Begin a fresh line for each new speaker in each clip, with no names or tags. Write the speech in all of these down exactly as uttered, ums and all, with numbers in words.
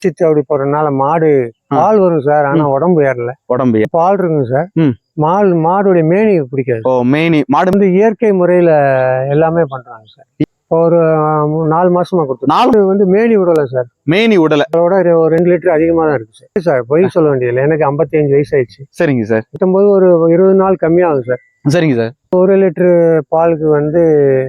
சித்து அப்படி போறதுனால மாடு பால் வரும் சார். ஆனா உடம்பு ஏறல.
உடம்பு
பால் இருக்குங்க சார். மால் மாடுடைய மேனி பிடிக்காது.
ஓ மேனி மாடு
வந்து இயற்கை முறையில எல்லாமே பண்றாங்க சார். ஒரு நாலு மாசமா கொடுத்து நாலு வந்து மேனி விடல சார்.
மேனி விடல
அதோட ஒரு ரெண்டு லிட்டர் அதிகமா தான் இருக்கு சார். சார் பொய் சொல்ல வேண்டியதில்லை. எனக்கு ஐம்பத்தி அஞ்சு வயசு ஆயிடுச்சு.
சரிங்க சார்.
பத்தொன்பது ஒரு இருபது நாள் கம்மியாகும் சார்.
சரிங்க சார்.
ஒரு லிட்டரு பாலுக்கு வந்து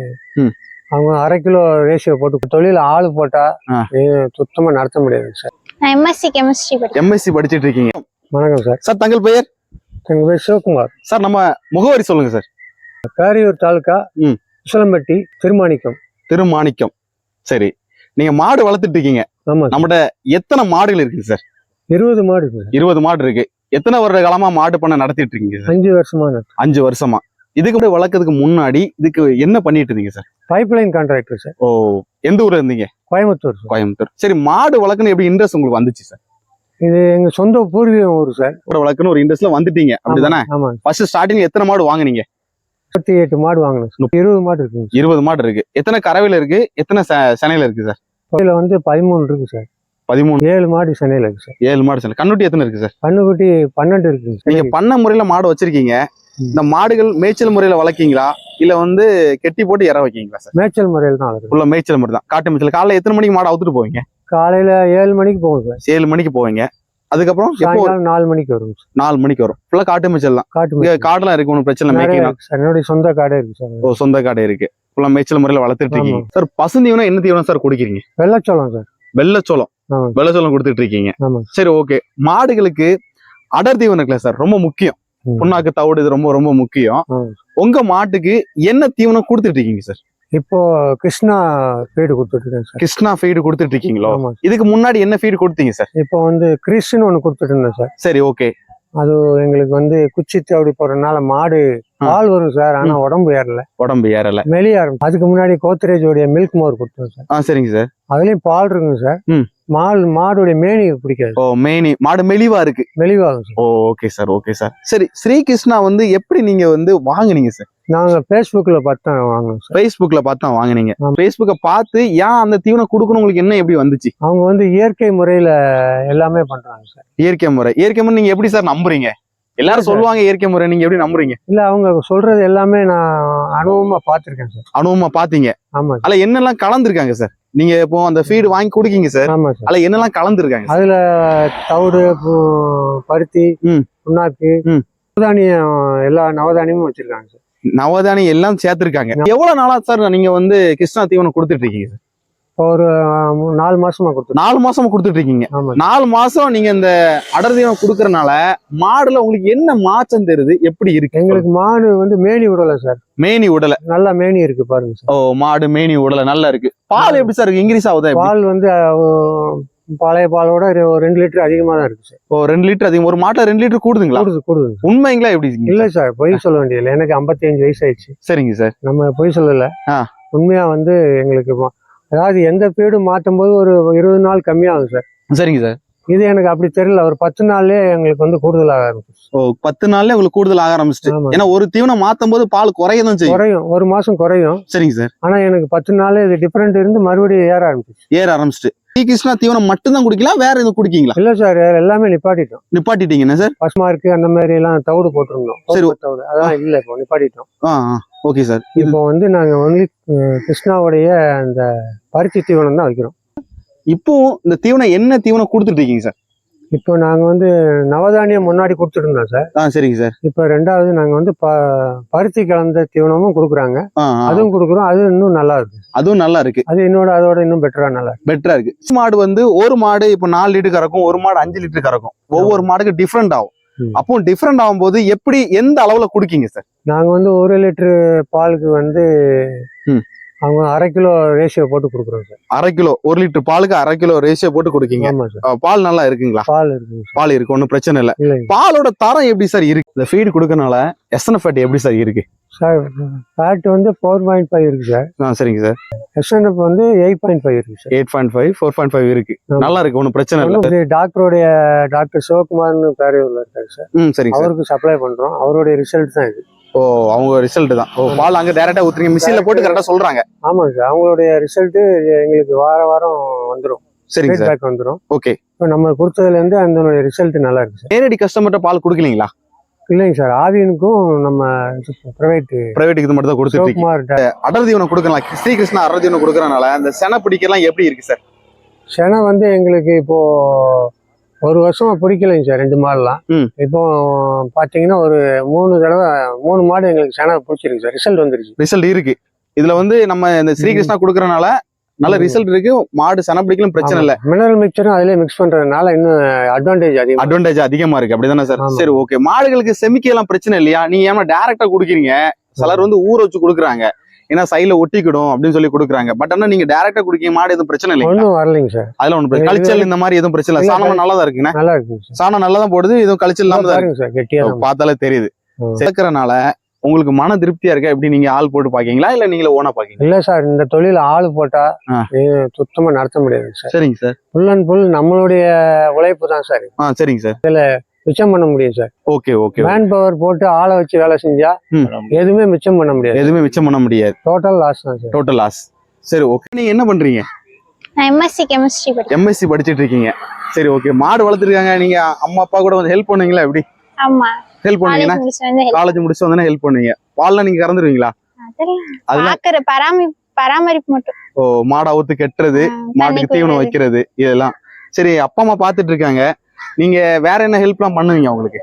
அவங்க அரை கிலோ ரேஷியோ போட்டு தொழில் ஆளு போட்டா சுத்தமா நடத்த முடியாது சார்.
எம்எஸ்சி கெமிஸ்ட்ரி
எம்எஸ்சி படிச்சிட்டு இருக்கீங்க.
வணக்கம் சார்.
சார் தங்கள் பெயர்?
எங்க பேர் சிவகுமார் சார்.
நம்ம முகவரி சொல்லுங்க சார்.
பேரியூர் தாலுக்கா உசிலம்பட்டி திருமாணிக்கம்.
திருமாணிக்கம். சரி, நீங்க மாடு வளர்த்துட்டு இருக்கீங்க.
ஆமா.
நம்மகிட்ட எத்தனை மாடுகள் இருக்கு சார்?
இருபது மாடு இருக்கு.
இருபது மாடு இருக்கு. எத்தனை வருட காலமா மாடு பண்ண நடத்திட்டு இருக்கீங்க சார்?
அஞ்சு வருஷமா. அஞ்சு
வருஷமா. இதுக்கு கூட வளர்க்கறதுக்கு முன்னாடி இதுக்கு என்ன பண்ணிட்டு இருந்தீங்க sir?
Pipeline contractor sir.
ஓ, எந்த ஊர்ல இருந்தீங்க?
கோயம்புத்தூர்.
கோயம்புத்தூர். சரி, மாடு வளர்க்கணும் எப்படி இன்ட்ரெஸ்ட் உங்களுக்கு வந்துச்சு சார்?
இது எங்க சொந்த பூர்வீக ஊர் சார்.
வளர்க்கணும் ஒரு இன்ட்ரெஸ்ட்ல வந்துட்டீங்க அப்படிதானே?
ஆமா.
ஃபர்ஸ்ட் ஸ்டார்டிங் எத்தனை மாடு வாங்குனீங்க?
முப்பத்தி எட்டு மாடு வாங்கணும். இருபது மாடு இருக்கு.
இருபது மாடு இருக்கு. எத்தனை கறவையில இருக்கு, எத்தனை சென்னையில இருக்கு சார்?
கோயில வந்து பதிமூணு இருக்கு சார்.
பதிமூணு.
ஏழு மாடு சென்னையில இருக்கு சார்.
ஏழு மாடு சென்னை. கண்ணுட்டி எத்தனை இருக்கு சார்?
கண்ணுக்குட்டி பன்னெண்டு இருக்கு.
நீங்க பண்ண முறையில மாடு வச்சிருக்கீங்க. இந்த மாடுகள் மேய்ச்சல் முறையில வளர்க்கீங்களா இல்ல வந்து கெட்டி போட்டு இற வைக்கீங்களா சார்?
மேய்ச்சல் முறையில தான்.
உள்ள மேய்ச்சல் முறை தான். காட்டு மேய்ச்சல். காலையில எத்தனை மணிக்கு மாடு அவுத்துட்டு போவீங்க?
காலையில ஏழு மணிக்கு போவோம் சார்.
ஏழு மணிக்கு போவீங்க. அதுக்கப்புறம்
நாலு மணிக்கு வரும்.
நாலு மணிக்கு வரும். ஃபுல்லா காட்டு மேய்ச்சல் தான்.
காட்டு
காடுலாம் இருக்கு, ஒன்றும் பிரச்சனை இல்லை.
என்னுடைய சொந்த காடே இருக்கு சார்.
ஓ, சொந்த காடே இருக்கு. ஃபுல்லா மேய்ச்சல் முறையில வளர்த்துட்டு இருக்கீங்க சார். பசுந்தீவனம் என்ன தீவனம் சார் குடிக்கிறீங்க?
வெள்ளச்சோளம் சார்.
வெள்ளச்சோளம். வெள்ளச்சோளம் கொடுத்துட்டு இருக்கீங்க. சரி, ஓகே. மாடுகளுக்கு அடர் தீவனம் இருக்குல்ல சார், ரொம்ப முக்கியம். புண்ணாக்கு தவிடு இது ரொம்ப ரொம்ப முக்கியம். உங்க மாட்டுக்கு என்ன தீவனம் கொடுத்துட்டு இருக்கீங்க சார்?
இப்போ கிருஷ்ணா ஃபீடு கொடுத்துட்டு இருக்கேன் சார்.
கிருஷ்ணா ஃபீடு கொடுத்துட்டு இருக்கீங்களோ? இதுக்கு முன்னாடி என்ன ஃபீடு கொடுத்தீங்க சார்?
இப்போ வந்து கிறிஸ்ன்னு ஒண்ணு கொடுத்துட்டு இருந்தேன் சார்.
சரி, ஓகே.
அது எங்களுக்கு வந்து குச்சித்து அப்படி போறதுனால மாடு பால் வரும் சார். ஆனா உடம்பு ஏறல. உடம்பு
ஏறல
மெலிய ஆரம்பிச்சு. அதுக்கு முன்னாடி கோத்ரேஜோடைய மில்க் மோர் கொடுத்தோம் சார்.
ஆ, சரிங்க சார்.
அதுலயும் பால் இருக்குங்க சார். மால் மாடுடைய மேனி பிடிக்காது.
ஓ, மேனி மாடு மெலிவா இருக்கு.
மெலிவாகும் சார்.
ஓ, ஓகே சார், ஓகே சார். சரி, ஸ்ரீ கிருஷ்ணா வந்து எப்படி நீங்க வந்து வாங்குனீங்க சார்?
நாங்க பேஸ்புக்ல பார்த்து தான் வாங்கினோம் சார்.
பேஸ்புக்ல பார்த்து தான் வாங்கினீங்க. பேஸ்புக்கை பார்த்து ஏன் அந்த தீவனம் கொடுக்கணும் உங்களுக்கு என்ன எப்படி வந்துச்சு?
அவங்க வந்து இயற்கை முறையில எல்லாமே பண்றாங்க சார்.
இயற்கை முறை. இயற்கை முறை நீங்க எப்படி சார் நம்புறீங்க? எல்லாரும் சொல்லுவாங்க இயற்கை முறை, நீங்க எப்படி நம்புறீங்க?
இல்ல, அவங்க சொல்றது எல்லாமே நான் அனுபவமா பாத்திருக்கேன் சார்.
அனுபவமா பாத்தீங்க?
ஆமா.
அதுல என்னெல்லாம் கலந்துருக்காங்க சார்? நீங்க இப்போ அந்த ஃபீடு வாங்கி குடிக்கீங்க சார்.
ஆமா சார்.
அதுல என்னெல்லாம் கலந்துருக்காங்க?
அதுல தவிடு, பருத்தி, புண்ணாக்கு, நவதானியம், எல்லா நவதானியமும் வச்சிருக்காங்க சார்.
நவதானியம் எல்லாம் சேர்த்திருக்காங்க. எவ்வளவு நாளா சார் நீங்க வந்து கிருஷ்ணா தீவனம் கொடுத்துட்டு இருக்கீங்க சார்?
ஒரு நாலு மாசமா கொடுத்து
நாலு மாசமா கொடுத்துட்டு இருக்கீங்க. நாலு மாசம் நீங்க இந்த அடர் தீவனம் கொடுக்கறதுனால மாடுல உங்களுக்கு என்ன மாற்றம் தெரியுது? எப்படி இருக்கு?
எங்களுக்கு மாடு வந்து மேனி விடல சார்.
மேனி விடல.
நல்லா மேனி இருக்கு பாருங்க சார்.
ஓ, மாடு மேனி விடல, நல்லா இருக்கு. பால் எப்படி சார் இருக்கு? இன்க்ரீஸ் ஆகுதா?
பால் வந்து பழைய பாலோட ஒரு ரெண்டு லிட்டர் அதிகமா தான் இருக்கு சார்.
ஓ, ரெண்டு லிட்டர் அதிகம். ஒரு மாட்டை ரெண்டு லிட்டர் கூடுதுங்களா?
கூடுது கூடுது.
உண்மைங்களா எப்படி?
இல்ல சார், பொய் சொல்ல வேண்டியதில்லை. எனக்கு ஐம்பத்தி அஞ்சு வயசு ஆயிடுச்சு.
சரிங்க சார்.
நம்ம பொய் சொல்லல. உண்மையா வந்து எங்களுக்கு அதாவது எந்த பீடு மாற்றும் போது ஒரு இருபது நாள் கம்மியாகும் சார்.
சரிங்க சார்.
இது எனக்கு அப்படி தெரியல. ஒரு பத்து நாள்லயே எங்களுக்கு வந்து கூடுதல் ஆக ஆரம்பிச்சு.
ஓ, பத்து நாள்ல உங்களுக்கு கூடுதல் ஆக ஆரம்பிச்சு. ஏன்னா ஒரு தீவனம் மாத்தும் போது பால் குறையதான் செய்யும்.
குறையும், ஒரு மாசம் குறையும்.
சரிங்க சார்.
ஆனா எனக்கு பத்து நாள்ல இது டிஃபரெண்ட் இருந்து மறுபடியும் ஏற ஆரம்பிச்சு.
ஏற ஆரம்பிச்சுட்டு ஸ்ரீ கிருஷ்ணா தீவனம் மட்டும் தான் குடிக்கலாம், வேற எதுவும் குடிக்கீங்களா?
இல்ல சார், எல்லாமே நிப்பாட்டிட்டோம்.
நிப்பாட்டிட்டீங்க சார்?
பசுமா இருக்கு அந்த மாதிரி எல்லாம் தவிடு போட்டிருந்தோம். சரி, தவிடு அதான் இல்ல, இப்போ நிப்பாட்டிட்டோம்.
Okay sir.
இப்போ வந்து நாங்க ஒன்லி கிருஷ்ணாவுடைய அந்த பருத்தி தீவனம் தான் வைக்கிறோம்.
இப்போ இந்த தீவனம் என்ன தீவனம் கொடுத்துட்டு இருக்கீங்க சார்?
இப்போ நாங்க வந்து நவதானியம் முன்னாடி கொடுத்துட்டு இருந்தோம் சார்.
ஆ, சரிங்க சார்.
இப்போ ரெண்டாவது நாங்க வந்து பருத்தி கலந்த தீவனமும் கொடுக்குறாங்க. அதுவும் கொடுக்குறோம். அது இன்னும் நல்லா இருக்கு. அதுவும் நல்லா இருக்கு. அது என்னோட அதோட இன்னும் பெட்டரா நல்லா
பெட்டரா இருக்கு. மாடு வந்து ஒரு மாடு இப்போ நாலு லிட்டர் கறக்கும், ஒரு மாடு அஞ்சு லிட்டர் கறக்கும். ஒவ்வொரு மாடுக்கு டிஃப்ரெண்ட் ஆகும். அப்போ டிஃப்ரெண்ட் ஆகும் போது எப்படி எந்த அளவுல குடிக்கீங்க சார்?
நாங்க வந்து ஒரு லிட்டர் பாலுக்கு வந்து அவங்க அரை கிலோ ரேஷியோ போட்டு கொடுக்குறோம் சார்.
அரை கிலோ ஒரு லிட்டர் பாலுக்கு அரை கிலோ ரேஷியோ போட்டு கொடுக்கீங்க.
ஆமா சார்.
பால் நல்லா இருக்குங்களா?
பால் இருக்கு.
பால் இருக்கு, ஒன்றும் பிரச்சனை இல்லை. பாலோட தரம் எப்படி சார் இருக்கு? இந்த ஃபீடு கொடுக்கறனால எஸ்என்எஃப் எப்படி சார் இருக்கு
சார்? ஃபேட் வந்து ஃபோர் பாயிண்ட் ஃபைவ் இருக்கு சார்.
ஆ, சரிங்க சார்.
எஸ்என்எஃப் வந்து எயிட் பாயிண்ட் ஃபைவ் இருக்கு sir.
Eight point five four point five இருக்கு. நல்லா இருக்கு, ஒன்றும் பிரச்சனை இல்லை.
டாக்டருடைய டாக்டர் சிவகுமார்னு பேரையூர்ல இருக்காரு சார்.
ம், சரிங்க.
அவருக்கு சப்ளை பண்றோம். அவருடைய ரிசல்ட் தான் இது.
ஓ, அவங்க ரிசல்ட் தான். ஓ, பால் அங்க டைரக்டா ஊத்துறீங்க, மிஷின்ல போட்டு கரெக்டா சொல்றாங்க.
ஆமாங்க சார். அவங்களுடைய ரிசல்ட் எங்களுக்கு வார வாரம் வந்துடும்.
சரிங்க சார்.
பேக் வந்துடும்.
ஓகே.
இப்போ நம்ம கொடுத்ததுல இருந்து அந்த ரிசல்ட் நல்லா இருக்கு சார்.
நேரடி கஸ்டமர்கிட்ட பால் கொடுக்கலீங்களா?
இல்லைங்க சார், ஆவியனுக்கும் நம்ம பிரைவேட்
பிரைவேட்டுக்கு இது மட்டும் தான் கொடுத்துருக்கீங்க. அடர் தீவனம் கொடுக்கலாம், ஸ்ரீகிருஷ்ணா அடர் தீவனம் கொடுக்கறனால அந்த செனை பிடிக்கலாம் எப்படி இருக்கு சார்?
செனை வந்து எங்களுக்கு இப்போ ஒரு வருஷமா பிடிக்கலைங்க சார், ரெண்டு மாடுலாம். இப்போ பாத்தீங்கன்னா ஒரு மூணு தடவை மூணு மாடு எங்களுக்கு செனை பிடிச்சிருக்கு சார், ரிசல்ட் வந்துருச்சு.
ரிசல்ட் இருக்கு. இதுல வந்து நம்ம இந்த ஸ்ரீகிருஷ்ணா கொடுக்கறனால நல்ல ரிசல்ட் இருக்கு. மாடு செனை பிடிக்கலும் பிரச்சனை இல்ல.
மினரல் மிக்சரும் அதிலே மிக்ஸ் பண்றதுனால இன்னும் அட்வான்டேஜ் அதிகம்
அட்வான்டேஜ் அதிகமா இருக்கு. அப்படிதானே சார்? சரி ஓகே. மாடுகளுக்கு செமிக்கலாம் பிரச்சனை இல்லையா? நீங்க ஏமா டைரக்டா குடுக்கறீங்க? சிலர் வந்து ஊற வச்சு குடுக்குறாங்க, ஏன்னா சைல ஒட்டிக்கிடும் அப்படின்னு சொல்லி கொடுக்குறாங்க. பட் ஆனா நீங்க டைரக்டா குடிக்க மாடு எதுவும் பிரச்சனை இல்லை?
ஒன்றும் வரலைங்க சார்.
அதுல ஒண்ணு கழிச்சல் இந்த மாதிரி எதுவும் பிரச்சனை இல்லை. சாணம் நல்லா தான் இருக்குங்க.
நல்லா இருக்கு.
சாணம் நல்லா தான் போடுது, எதுவும் கழிச்சல் இல்லாம தான் இருக்கு சார். கெட்டியா பார்த்தாலே தெரியுது. சேர்க்கறனால உங்களுக்கு மன திருப்தியா இருக்கா? எப்படி நீங்க ஆள் போட்டு பாக்கீங்களா இல்ல நீங்களே ஓனா பாக்கீங்க?
இல்ல சார், இந்த தொழில் ஆள் போட்டா சுத்தமா நடத்த முடியாது சார்.
சரிங்க சார்.
ஃபுல் அண்ட் ஃபுல் நம்மளுடைய உழைப்பு தான் சார்.
ஆ சரிங்க சார்.
இதுல மிச்சம் பண்ண முடியும் sir.
Okay okay.
Manpower போட்டு ஆளை வச்சு வேலை செஞ்சா எதுவுமே மிச்சம் பண்ண முடியாது.
எதுவுமே மிச்சம் பண்ண முடியாது.
டோட்டல் லாஸ் தான் சார்.
Total loss. சரி ஓகே. நீங்க என்ன பண்றீங்க?
நான் எம்எஸ்சி கெமிஸ்ட்ரி படிக்கிறேன்.
எம்எஸ்சி படிச்சிட்டு இருக்கீங்க. சரி ஓகே. மாடு வளர்த்துருக்காங்க, நீங்க அம்மா அப்பா கூட வந்து ஹெல்ப் பண்ணுவீங்களா? எப்படி
ஆமா
ஹெல்ப் பண்ணுவீங்கன்னா? காலேஜ் முடிச்சு வந்தா ஹெல்ப் பண்ணுவீங்க. பால்லாம் நீங்க கறந்துருவீங்களா?
அதெல்லாம் பராமரிப்பு பராமரிப்பு மட்டும்.
ஓ, மாடு அவுத்து கெட்டுறது, மாட்டுக்கு தீவனம் வைக்கிறது, இதெல்லாம். சரி, அப்பா அம்மா பாத்துட்டு இருக்காங்க, நீங்க வேற என்ன ஹெல்ப்லாம் பண்ணுவீங்க அவங்களுக்கு?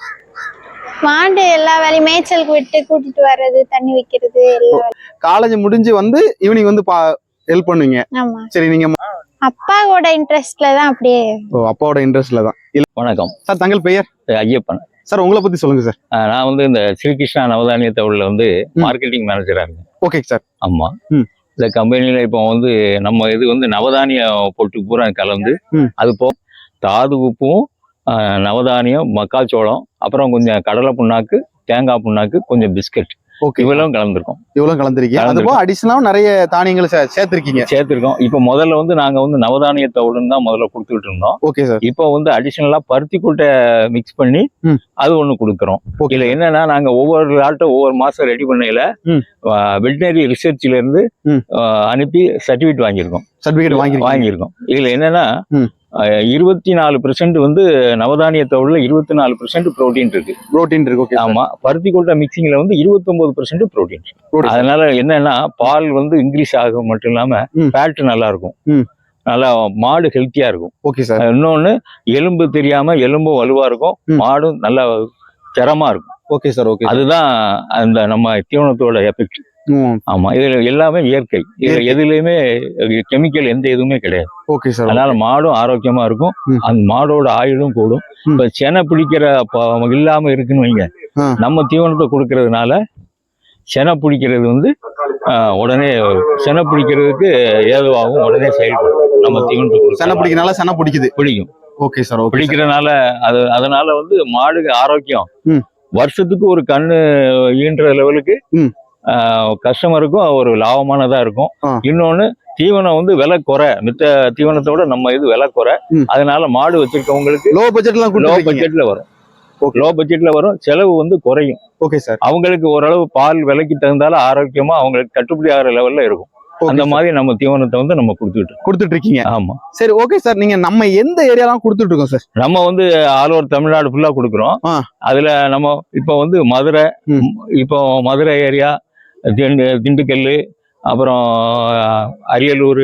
மாடு எல்லா வேலையும் மேய்ச்சலுக்கு விட்டு கூட்டிட்டு வர்றது, தண்ணி வைக்கிறது எல்லாம்.
காலேஜ் முடிஞ்சு வந்து ஈவினிங் வந்து ஹெல்ப் பண்ணுவீங்க.
ஆமா.
சரி, நீங்க
அப்பாவோட இன்ட்ரெஸ்ட்ல தான் அப்படியே.
ஓ, அப்பாவோட இன்ட்ரெஸ்ட்ல தான்.
வணக்கம் சார்.
தங்கள் பெயர்?
ஐயப்பன்
சார். உங்களை பத்தி சொல்லுங்க சார்.
நான் வந்து இந்த ஸ்ரீகிருஷ்ணா நவதானிய தவுள்ல வந்து மார்க்கெட்டிங் மேனேஜரா இருக்கேன்.
Okay sir.
ஆமா. இந்த கம்பெனில இப்போ வந்து நம்ம இது வந்து நவதானிய பொட்டு பூரா கலந்து, அது போ தாது உப்பும் நவதானியம், மக்காச்சோளம், அப்புறம் கொஞ்சம் கடலை புண்ணாக்கு, தேங்காய் புண்ணாக்கு, கொஞ்சம் பிஸ்கட், இவ்வளவு கலந்துருக்கோம். இவ்வளவு கலந்துருக்கீங்க. அதுபோக அடிஷனலா நிறைய தானியங்களை சேர்த்திருக்கீங்க. சேர்த்திருக்கோம். இப்ப முதல்ல வந்து நாங்க வந்து நவதானிய தவிடுன்னு தான் முதல்ல கொடுத்துட்டு இருந்தோம். Okay sir. இப்போ வந்து அடிஷனலா பருத்தி கூட்டை மிக்ஸ் பண்ணி அது ஒண்ணு கொடுக்குறோம். இதுல என்னன்னா, நாங்க ஒவ்வொரு ஆட்டை ஒவ்வொரு மாசம் ரெடி பண்ணையில வெட்டினரி ரிசர்ச்ல இருந்து அனுப்பி சர்டிபிகேட் வாங்கியிருக்கோம். சர்டிபிகேட் வாங்கி வாங்கியிருக்கோம். இதுல என்னன்னா, இருபத்தி நாலு பெர்சென்ட் வந்து நவதானிய தவிடுல இருபத்தி நாலு பெர்சென்ட் புரோட்டீன் இருக்கு. புரோட்டீன் இருக்கு. ஆமா. பருத்தி கொட்டை மிக்சிங்ல வந்து இருபத்தி ஒன்பது பெர்சென்ட் புரோட்டீன். அதனால என்னன்னா, பால் வந்து இன்க்ரீஸ் ஆகும் மட்டும் இல்லாம ஃபேட் நல்லா இருக்கும், நல்லா மாடு ஹெல்த்தியா இருக்கும். Okay sir. இன்னொன்னு, எலும்பு தெரியாம எலும்பும் வலுவா இருக்கும், மாடும் நல்லா திறமா இருக்கும். Okay sir. ஓகே. அதுதான் அந்த நம்ம தீவனத்தோட எஃபெக்ட். ஆமா. இதுல எல்லாமே இயற்கை. இதுல எதுலயுமே கெமிக்கல் எந்த எதுவுமே கிடையாது. Okay sir. அதனால மாடும் ஆரோக்கியமா இருக்கும், அந்த மாடோட ஆயுளும் கூடும். இப்ப செனை பிடிக்கிற இல்லாம இருக்குன்னு வைங்க, நம்ம தீவனத்தை கொடுக்கறதுனால செனை பிடிக்கிறது வந்து உடனே செனை பிடிக்கிறதுக்கு ஏதுவாகும், உடனே செயல்படும். நம்ம தீவனத்தை செனை பிடிக்கிறதுனால செனை பிடிக்குது பிடிக்கும். Okay sir. பிடிக்கிறதுனால அது அதனால வந்து மாடு ஆரோக்கியம். வருஷத்துக்கு ஒரு கண்ணு ஈன்ற லெவலுக்கு கஸ்டமருக்கும் ஒரு லாபமானதா இருக்கும். இன்னொன்னு, தீவனம் வந்து விலை குறை, மித்த தீவனத்தோட நம்ம இது விலை குறை. அதனால மாடு வச்சிருக்கவங்களுக்கு லோ பட்ஜெட்ல லோ பட்ஜெட்ல வரும். லோ பட்ஜெட்ல வரும், செலவு வந்து குறையும். Okay sir. அவங்களுக்கு ஓரளவு பால் விலைக்கு தகுந்தாலும் ஆரோக்கியமா அவங்களுக்கு கட்டுப்படி ஆகிற லெவல்ல இருக்கும். அந்த மாதிரி நம்ம தீவனத்தை வந்து நம்ம கொடுத்துட்டு கொடுத்துட்டு இருக்கீங்க. ஆமா. சரி ஓகே சார். நீங்க நம்ம எந்த ஏரியாலாம் கொடுத்துட்டு இருக்கோம் சார்? நம்ம வந்து ஆல் ஓவர் தமிழ்நாடு ஃபுல்லா கொடுக்குறோம். அதுல நம்ம இப்போ வந்து மதுரை, இப்போ மதுரை ஏரியா, திண்டு திண்டுக்கல், அப்புறம் அரியலூர்,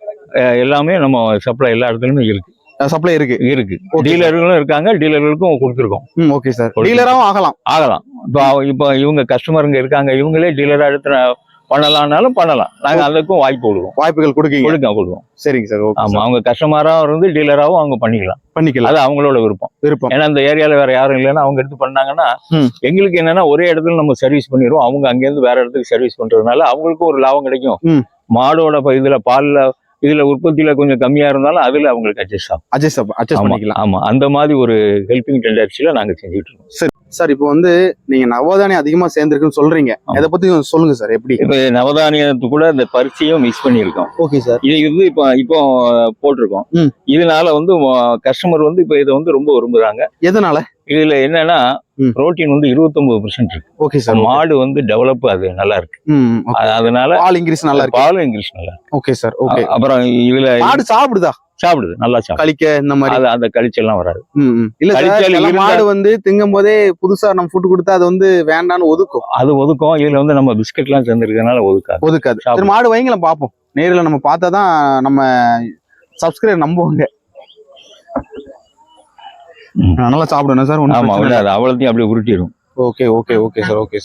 எல்லாமே நம்ம சப்ளை எல்லா இடத்துலயுமே இருக்கு. சப்ளை இருக்கு இருக்கு டீலர்களும் இருக்காங்க, டீலர்களுக்கும் கொடுத்துருக்கோம். Okay sir. டீலராகவும் ஆகலாம் ஆகலாம் இப்போ இப்போ இவங்க கஸ்டமருங்க இருக்காங்க, இவங்களே டீலரா எடுத்து பண்ணலாம்னாலும் பண்ணலாம். நாங்க அதுக்கும் வாய்ப்பு கொடுக்கும். வாய்ப்புகள் கொடுக்கீங்க? கொடுக்க கொடுக்கும். சரிங்க சார். ஆமா. அவங்க கஸ்டமராகவும் இருந்து டீலராகவும் அவங்க பண்ணிக்கலாம் பண்ணிக்கலாம் அது அவங்களோட விருப்பம் விருப்பம் ஏன்னா அந்த ஏரியால வேற யாரும் இல்லைன்னா அவங்க எடுத்து பண்ணாங்கன்னா, எங்களுக்கு என்னன்னா ஒரே இடத்துல நம்ம சர்வீஸ் பண்ணிடுவோம். அவங்க அங்கேருந்து வேற இடத்துக்கு சர்வீஸ் பண்றதுனால அவங்களுக்கும் ஒரு லாபம் கிடைக்கும். மாடோட இதுல பால்ல இதுல உற்பத்தியில கொஞ்சம் கம்மியா இருந்தாலும் அதுல அவங்களுக்கு அட்ஜஸ்ட் ஆகும். அட்ஜஸ்ட் அட்ஜஸ்ட் பண்ணிக்கலாம். ஆமா. அந்த மாதிரி ஒரு ஹெல்பிங் டெண்டர்ஸில நாங்க செஞ்சுட்டு இருக்கோம். சரி சார். இப்போ வந்து நீங்க நவதானியம் அதிகமா சேர்ந்துருக்குன்னு சொல்றீங்க, அதை பத்தி சொல்லுங்க சார். எப்படி? இப்போ நவதானியத்து கூட இந்த பருத்தியும் மிக்ஸ் பண்ணியிருக்கோம். Okay sir. இது வந்து இப்போ இப்போ போட்டிருக்கோம். இதனால வந்து கஸ்டமர் வந்து இப்போ இதை வந்து ரொம்ப விரும்புறாங்க. எதனால? இதுல என்னன்னா, புரோட்டீன் வந்து இருபத்தி ஒன்பது பெர்சென்ட் இருக்கு. Okay sir. மாடு வந்து டெவலப் அது நல்லா இருக்கு. அதனால பால் இன்க்ரீஸ் நல்லா இருக்கு. பாலும் இன்க்ரீஸ் நல்லா இருக்கு. Okay sir. ஓகே. அப்புறம் இதுல மாடு சாப்பிடுதா? சாப்பிடுது நல்லா சாப்பிடுது.
கழிக்க இந்த மாதிரி
அது அந்த கழிச்செல்லாம் வராது.
ம், ம். இல்ல சார்,
கழிச்சல்
சில
இருந்தா-
மாடு வந்து திங்கும் போதே புதுசா நம்ம ஃபுட் கொடுத்தா அது வந்து வேண்டான்னு ஒதுக்கும்.
அது ஒதுக்கும். இதுல வந்து நம்ம பிஸ்கட் எல்லாம் சேர்ந்துருக்கனால ஒதுக்காது.
ஒதுக்காது. சரி,
சாப்பிடும்.
மாடு வைங்களேன் பார்ப்போம். நேரில் நம்ம பார்த்தாதான் நம்ம சப்ஸ்கிரைபர் நம்புவாங்க.
ம்.
நல்லா சாப்பிடணும் சார்.
ஆமா, விடாது. அவ்வளோத்தையும் அப்படியே உருட்டிடும்.
Okay okay okay sir. Okay